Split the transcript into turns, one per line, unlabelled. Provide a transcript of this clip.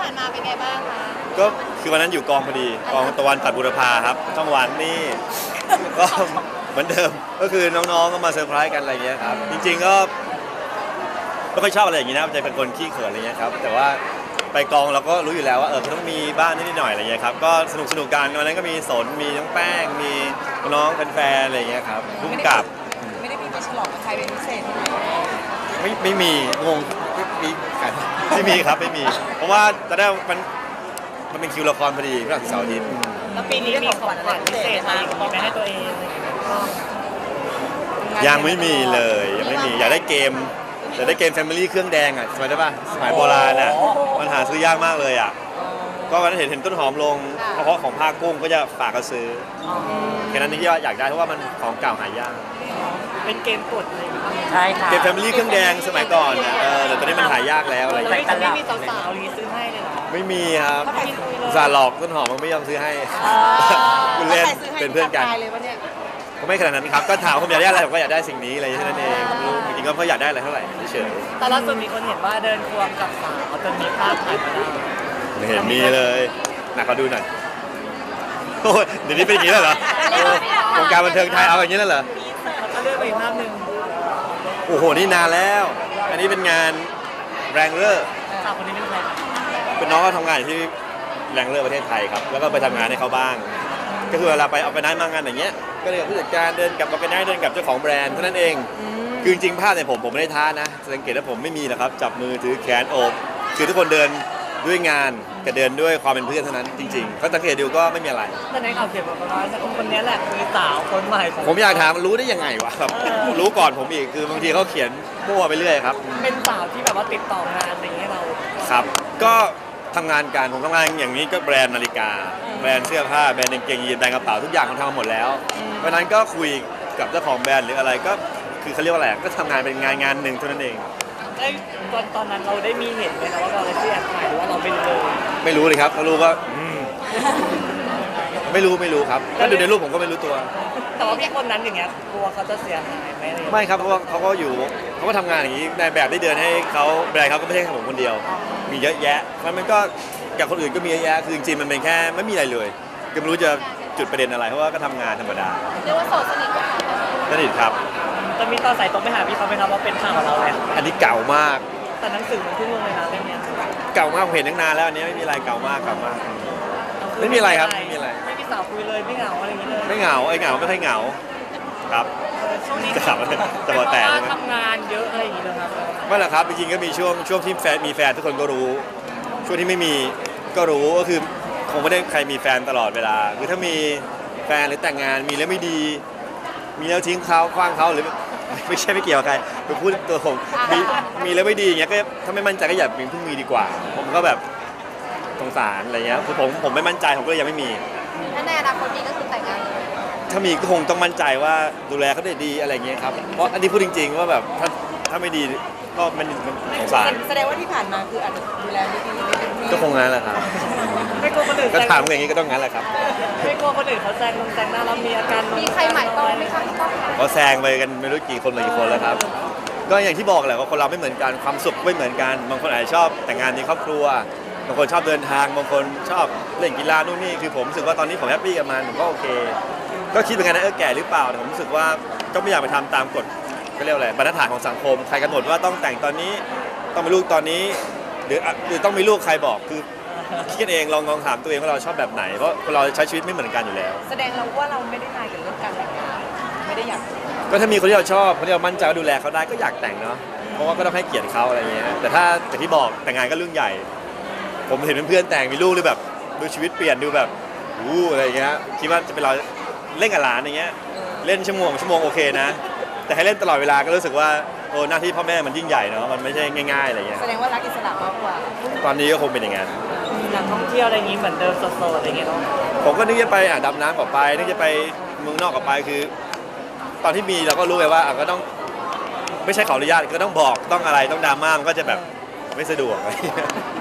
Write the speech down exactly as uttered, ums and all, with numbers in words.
านมาเป็นไงบ้างคะ
ก็คือวันนั้นอยู่กองพอดีกองตะวันตัดบุรพาครับช่องวันนี่ก็เหมือนเดิมก็คือน้องๆก็มาเซอร์ไพรส์กันอะไรเงี้ยครับจริงๆก็ไม่ค่อยชอบอะไรอย่างงี้นะใจเป็นคนขี้เขินอะไรเงี้ยครับแต่ว่าไปกองเราก็รู้อยู่แล้วว่าเออต้องมีบ้านนิดหน่อยอะไรเงี้ยครับก็สนุกสนุกกันวันนั้นก็มีสนมีน้องแป้งมีน้องแฟนๆอะไรเงี้ยครับพุ่งกับ
ไม่ได้มีไปฉลองกับใครเป็นพิเศษใช่ไหม
ไม่ไม่มีงงไม่มีกันไม่มีครับไม่มี เพราะว่าตอนแรกมันมันเป็นคิวละครพอดีพฤหัสเสาร์อาทิตย์
แล้วปีนี้มีของขวัญพิเศษอะไรอย่างนี้ไหมให้ตัวเองอะไรอย่างเงี้ย
ยังไม่มีเลยยังไม่มีอยากได้เกมอยากได้เกม Family เครื่องแดงอ่ะสมัยได้ป่ะสมัยโบราณอ่ะมันหาซื้อยากมากเลยอ่ะก็วันนั้นเห็นเห็นต้นหอมลงเพราะของภาคกุ้งก็จะฝากกันซื้อแค่นั้นที่อยากได้เพราะว่ามันของเก่าหายาก
เป็นเกมกดเลยใช่ค่ะ
เกม Family เครื่องแดงสมัยก่อนอ่ะเออแต่ตอนนี้มันหายากแล้วอะไรอย่าง
ไม่
เงี้ย
ไม่มีสาวๆรีซื้อให้เลยเหรอ
ไม่มีครับ
เขาไปคุยเลย
อุตสาห์หลอกต้นหอมมันไม่ยอมซื้อให้คุณเล่นเป็นเพื่อนกัน
เลยวะเนี่ย
ก็ไม่ขนาดนั้นครับก็ถามผมอยากได้อะไรผมก็อยากได้สิ่งนี้อะไรแค่นั้นเองไม่รู้จริงๆก็เพราะอยากได้อะไรเท่าไหร่เฉย
แต่ล่าสุดมีคนเห็นว่าเดินควงกับสาวจนมีภาพถ่ายมาได้
ๆไม่เห็นมีเลยหนักขอดูหน่อยโอ้ยเดี๋ยวนี้เป็นอย่างนี้แล้วเหรอโอ้วงการบันเทิงไทยเอาอย่างนี้แล้วเหรอ
แล้วก็เลือกไปอีกภาพหนึ่ง
โอ้โหนี่นานแล้ว อันนี้เป็นงานแรงเลอร์
สาวคนนี้เป็นใคร
เป็นน้องก็ทำงานอยู่ที่แรงเลอร์ประเทศไทยครับแล้วก็ไปทำงานให้เขาบ้าง ก็คือเวลาไปเอาไปนั้นมางานอย่างเงี้ยก็เลยกับผู้จัดการเดินกับเอาไปนั้นเดินกับเจ้าของแบรนด์เท่านั้นเองคือจริงๆภาพเนี่ยผมผมไม่ได้ท้านะสังเกตว่าผมไม่มีนะครับจับมือถือแขนโอบคือทุกคนเดินด้วยงานกับเดินด้วยความเป็นเพื่อนเท่านั้นจริงๆก็สังเกตดูก็ไม่มีอะไร
แต่ในข่าวเขียนบอกว่าคนคนนี้แหละคือสาวคนใหม่ของ
ผมอยากถามรู้ได้ยังไงวะครับรู้ก่อนผมอีกคือบางทีเขาเขียนมั่วไปเรื่อยครับ
เป็นสาวที่แบบว่าติดต่องานอะไรอย่างเงี้ยเรา
ครับ ก็ทำงานการผมทำงานอย่างนี้ก็แบรนด์นาฬิกา แบรนด์เสื้อผ้าแบรนด์กางเกงยีนส์แบรนด์กระเป๋าทุกอย่างเขาทำมาหมดแล้วเพราะฉะนั้นก็คุยกับเจ้าของแบรนด์หรืออะไรก็คือเขาเรียกว่าอะไรก็ทำงานเป็นงานงานหนึ่งเท่านั้นเอง
ได้ตอนตอนนั้นเราได้มีเห็นไหมนะว่าเราได้ที่แอบถ่ายหรือว่าเราไม่รู้เลย
ไม่รู้เลยครับเขารู้ว่าอืมไม่รู้ไม่รู้ครับถ้าดูในรูปผมก็ไม่รู้ตัว
แต่ว่าพี่คนนั้นอย่างเงี้ยกลัวเขาจะเสียหายไหมอะไรอย่างเงี้ย
ไม่ครับเพราะว่าเขาก็อยู่เขาก็ทำงานอย่างนี้ในแบบที่เดินให้เขาแบรนด์เขาก็ไม่ใช่แค่ผมคนเดียว มีเยอะแยะมันมันก็กับคนอื่นก็มีเยอะแยะคือจริงๆมันเป็นแค่ไม่มีอะไรเลยก็ไม่รู้จะจุดประเด็นอะไรเพราะว่าก็ทำงานธรรมดา
เรียกว่าโสดสนิทกัน
สนิทครับ
จะมีตอนใส่ตรงไปหาพี่เขาไหมครับว่าเป็นข่าวเราเลย
อันนี้เก่ามาก
แต่หนังสือมันเพิ่งลงเลยนะเรื่องเนี้ย
เก่ามากผมเห็นตั้งนานแล้วอันนี้ไม่มีอะไรเก่ามากเก่ามาก ไม่มีอะไรครับไม่มีอะไร
ไม่มีสาวคุยเลยไม่เหงาอะไรอย่างเงี้ยเลย
ไม่เหงาไอ้เหงาไม่ค่อยเหงาครับ
ช่วงนี้
จะถามอะไรจะบอกแต่ใช่ไหม
ทำงานเยอะอะไรอย่างเงี้ยนะครับ
ไม่หรอกครับจริงๆก็มีช่วงช่วงที่แฟนมีแฟนทุกคนก็รู้ ช่วงที่ไม่มีก็รู้ก็คือคงไม่ได้ใครมีแฟนตลอดเวลาคือถ้ามีแฟนหรือแต่งงานมีแล้วไม่ดี มีแล้วทิ้งเขาคว้างเขาหรือไม่ใช่ไม่เกี่ยวกับใครคือพูดตัวผมมีมีแล้วไม่ดีอย่างเงี้ยก็ถ้าไม่มั่นใจก็อย่าเพิ่งมีดีกว่า ผมก็แบบสงสารอะไรเงี้ยคือผมผมไม่มั่นใจผมก็เลยยังไม่มี
ถ้าในอนาคตมีก็คือแต่งงานเลย
ถ้ามีก็คงต้องมั่นใจว่าดูแลเขาได้ดีอะไรเงี้ยครับเพราะอันนี้พูดจริง ๆ ว่าแบบถ้าถ้าไม่ดีก็มันมันสงสาร
แสดงว่าที่ผ่านมาคืออาจจะดูแลไม่ดีไม่เต็มที่
ก็คงงั้นแหละครับ
ไม่กลัวคนอื่น
ก็ถามอย่างนี้ก็ต้องงั้นแหละครับ
ไม่กลัวคนอื่นเขาแซงลงแซงหน้าเรามีอาการมีใครหมายปองไหมคะพี่ป้อง
ก็แซงไปกันไม่รู้กี่คนหลายกี่คนแล้วครับ ก็อย่างที่บอกแหละว่าคนเราไม่เหมือนกันความสุขไม่เหมือนกันบางคนอาจจะชอบแต่งงานมีครอบครัวบางคนชอบเดินทางบางคนชอบเล่นกีฬานู่นนี่คือผมรู้สึกว่าตอนนี้ผมแฮปปี้กับมันผมก็โอเค ก็คิดเหมือนกันนะเออแก่หรือเปล่าแต่ผมรู้สึกว่าก็ไม่อยากไปทำตามกฎก็เรียกว่าอะไรบรรทัดฐานของสังคมใครกำหนดว่าต้องแต่งตอนนี้ต้องมีลูกตอนนี้หรือหรือต้องมีลูกใครบอกคือคิดกันเองลองลองถามตัวเองว่าเราชอบแบบไหนเพราะคนเราใช้ชีวิตไม่เหมือนกันอยู่แล้ว
แสดงเราว่าเราไม่ได้นายกับเรื่องการแต่งงานไม่ได้อยาก
ก็ถ้ามีคนที่เราชอบคนที่เรามั่นใจว่าดูแลเขาได้ก็อยากแต่งเนาะเพราะว่าก็ต้องให้เกียรติเขาอะไรเงี้ยแต่ถ้าแต่ที่บอกแต่งงานก็เรื่องใหญ่ ผมเห็นเพื่อนๆแต่งมีลูกเลยแบบดูชีวิตเปลี่ยนดูแบบอู้อะไรเงี้ยคิดว่าจะเป็นเราเล่นกับหลานอย่างเงี้ยเล่นชั่วโมงชั่วโมงโอเคนะ แต่ให้เล่นตลอดเวลาก็รู้สึกว่าโอ้หน้าที่พ่อแม่มันยิ่งใหญ่เนาะมันไม่ใช่ง่ายๆอะไรเงี้ย
แสดงว่ารักอิสระมากกว่า
ตอนนี้ก็คงเป็นอย่างนั้น
นักท่องเที่ยวอะไรอย่างนี้เหมือนเดิมโซๆอะไรอย่างเงี้ยเนาะ
ผมก็นึกจะไปอ่ะดำน้ำกับไปนึกจะไปเมืองนอกกับไปคือ ตอนที่มีเราก็รู้ไงว่าอ่ะก็ต้องไม่ใช่ขออนุญาตก็ต้องบอกต้องอะไรต้องดราม่ามันก็จะแบบไม่สะดวกอะไรเงี้ย